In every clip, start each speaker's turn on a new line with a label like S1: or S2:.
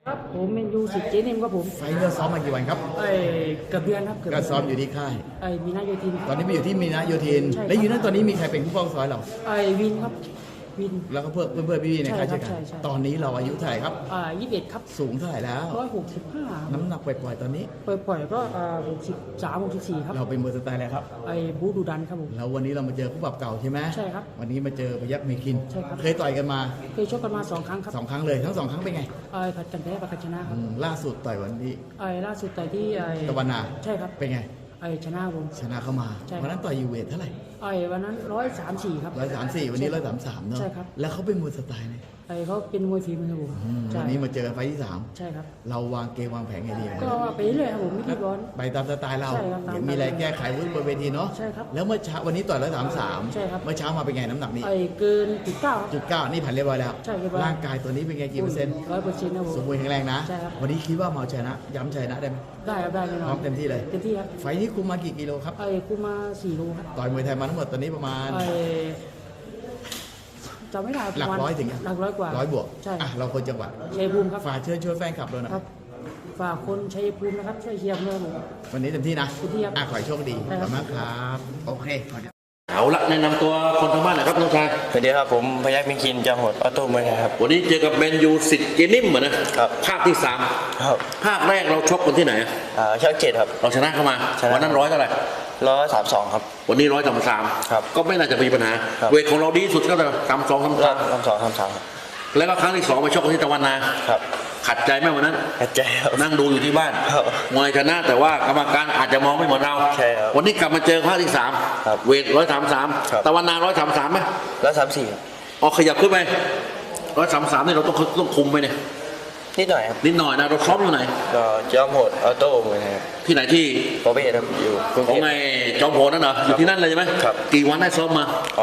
S1: ครับผมเมนยูสิเจนิมครับผม
S2: ไฟล์เราซ้อมมากี่วันครับ
S1: เกือบเดือนครับเกือบ
S2: ก็ซ้อมอยู่ที่ค่าย
S1: มีนาโยธิน
S2: ตอนนี้ไปอยู่ที่มีนาโยธินและอยู่นั้นตอนนี้มีใครเป็นผู้ป้องซ้อยเรา
S1: วินครับวิน
S2: แล้วก็เพื่อนพี่ๆในค่ายใช่กันตอนนี้เราอายุเท่าไหร่ครับ
S1: 21ครับ
S2: สูงเท่าไหร่แล้ว
S1: 165
S2: น้ำหนักปล่อยๆตอนนี้
S1: ปล่อยก็63 64ครับ
S2: เราเป็นมวยสไตล์อะไรครับ
S1: บูดูดันครับผม
S2: แล้ววันนี้เรามาเจอคู่ปรับเก่าใช่ไหม
S1: ใช่ครับ
S2: วันนี้มาเจอพยัคฆ์เมคิน
S1: ใช่ครับ
S2: เคยต่อยกันมา
S1: เคยชกกันมา2 ครั้งครับ
S2: 2 ครั้งเลยทั้ง2 ครั้งเป็นไง
S1: ผัดกันแพ้ผัดกันชนะครับ
S2: ล่าสุดต่อยวันนี้
S1: ล่าสุดต่อยที่
S2: ตะวันนา
S1: ใช่ครับ
S2: เป็นไง
S1: ชนะผม
S2: ชนะเข้ามาวันนั้นต่อยอยู่เวทเท่าไหร่
S1: วันนั้น134ครับ
S2: 134วันนี้133เนาะ
S1: ใช่ครับ
S2: แล้วเขาเป็นมวยสไตล์ไหน
S1: เขาเป็นมวยฝีมือผม
S2: วันนี้มาเจอกันไฟที่3
S1: ใช่ครับ
S2: เราวางเกมวางแผนไงดี
S1: ก็ไปเรื่อยครับผมไม่รีบร้อน
S2: ไปตามสไตล์เราเดี๋ยวมีอะไรแก้ไขบนเวทีเนาะ
S1: ใช่ครับ
S2: แล้วเมื่อเช้าวันนี้ต่อย133
S1: ใช่ครับ
S2: เมื่อเช้ามาเป็นไงน้ำหนักนี้
S1: เกิน
S2: 9นี่ผ่านเรียบร้อยแล้ว
S1: ใช่เรียบร้อย
S2: ร่างกายตัวนี้เป็นไงกี่เปอร์เซ็นต์
S1: 100%ครับผม
S2: สมบูรณ์แข็งแรงนะ
S1: ใช่ครับ
S2: วันนี้คิดว่ามาชนะย้ำชนะได้ไหม
S1: ได้ครับได้แน่นอน
S2: พร้อมเต็มที่เลย
S1: เต็มที่ครับ
S2: ไฟนี้คุมมากี่กิโลครับ
S1: คุมมา4 โลครับ
S2: ต่อยมวยไทยมาทั้งหมดตอนนี้ประมาณ
S1: จำไม่ได้
S2: หลักร้อยถึง
S1: หลักร้อยกว่า
S2: 100 บวก
S1: ใช่
S2: เราคนจังหวัด
S1: ชัยภูมิครับ
S2: ฝากเชิญชวนแฟนคลับเรานะครับ
S1: ฝากคนชัยภูมินะครับช่วยเชียร์เพื่อนผม
S2: วันนี้เต็มที่นะ
S1: เต็มที่ครับ
S2: ขอให้โชคดีขอบคุณมากครับโอเค
S3: เอาละแนะนำตัวคนทางบ้านหน่อยครับน้องชาย
S4: สวัสดีครับผมพยัคฆ์เมคินจอมโหดออโต้เมืองครับ
S3: วันนี้เจอกับแมนยูสิทธิ์เจนิ่มนะครับภาคที่3
S4: ครับ
S3: ภาคแรกเราชกกันที่ไหน
S4: ช่อง7ครับ
S3: เราชนะเข้ามาวันนั้น100เท่าไหร่
S4: 132ครับ
S3: วันนี้133
S4: ครับ
S3: ก็ไม่น่าจะมีปัญหาเวทของเราดีสุดก็เลย
S4: 32ครับ
S3: แล้วก็ครั้งที่2ไปชกกันที่ตะวันนา
S4: ครับ
S3: ขัดใจไหมวันนั้น
S4: ขัดใจครับ
S3: นั่งดูอยู่ที่บ้านมวยชนะแต่ว่ากรรมการอาจจะมองไม่เหมือนเรา
S4: ใช่ครับ
S3: วันนี้กลับมาเจอภาคที่3เวท133ตะวันนา133ไหม
S4: 134
S3: ขยับขึ้นไป133นี่เราต้องคุมไปเนี่ย
S4: นิดหน่อยครับ
S3: นิดหน่อยนะเราซ้อมอยู่ไหน
S4: จอมโหดออโต้เมืองครับ
S3: ที่ไหนที่
S4: โปรเบสครับอยู่
S3: ของไงจอมโหดนั่นเหรออยู่ที่นั่นเลยใช่ไหม
S4: ครับ
S3: กี่วันได้ซ้อมมา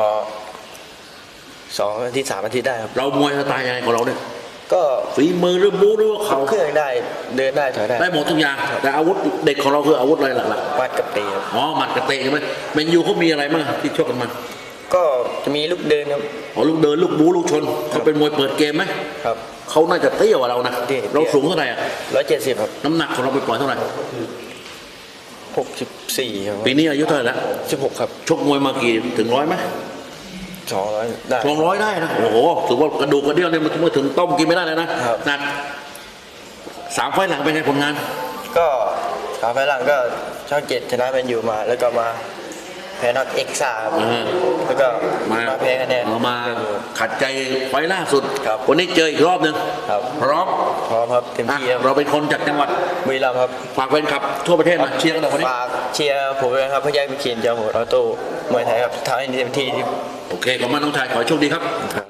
S4: 2 อาทิตย์ 3 อาทิตย์ได้ครับ
S3: เรามวยสไตล์ยังไงของเราเนี่ย
S4: ก็
S3: ฝีมือหรือบู๊หรือว่าเขา
S4: เครื่องได้เดินได้ถอยได้
S3: หมดทุกอย่างแต่อาวุธเด็กของเราคืออาวุธอะไรหลัก
S4: ๆมัดกับเตะ
S3: หมัดกับเตะใช่ไหมแมนยูเขามีอะไรบ้างที่ชกกันมา
S4: ก็จะมีลูกเดินครับ
S3: ลูกเดินลูกบู๊ลูกชนเขาเป็นมวยเปิดเกมไหม
S4: ครับ
S3: เขาน่าจะเตี้ยกว่าเรานะเราสูงเท่าไหร่
S4: 170ครับ
S3: น้ำหนักของเราไปปล่อยเท่าไหร่
S4: 64ครับ
S3: ปีนี้อายุเท่าไหร่แล้ว
S4: 16ครับ
S3: ชกมวยมากี่ถึง100ไหม
S4: 200ได้
S3: 200ได้นะโอ้โหถือว่ากระดูกกระเดี่ยวเนี่ยมันถึงต้มกินไม่ได้เลยนะหนัก3 ไฟล์หลังเป็นไงผลงาน
S4: ก็3 ไฟล์หลังก็ช่อง7ชนะเป็นอยู่มาแล้วก็มาแพ้น็อกเอ็กซ่าแล้วก็มาแพ้คะแนน
S3: มาขัดใจไฟล์ล่าสุดวันนี้เจออีกรอบนึงพร้อม
S4: ครับเต็มที่
S3: เราเป็นคนจากจังหวัด
S4: บุรีรัมย์ครับ
S3: ฝากแฟนคลับทั่วประเทศมาเชียร์กันหน่อยวันนี้
S4: ฝากเชียร์ผมด้วยครับพยัคฆ์เมคินจอมโหดออโต้มวยไทยครับทำให้เต็มที่
S3: โอเคขอบคุณน้องชายขอโชคดีครับ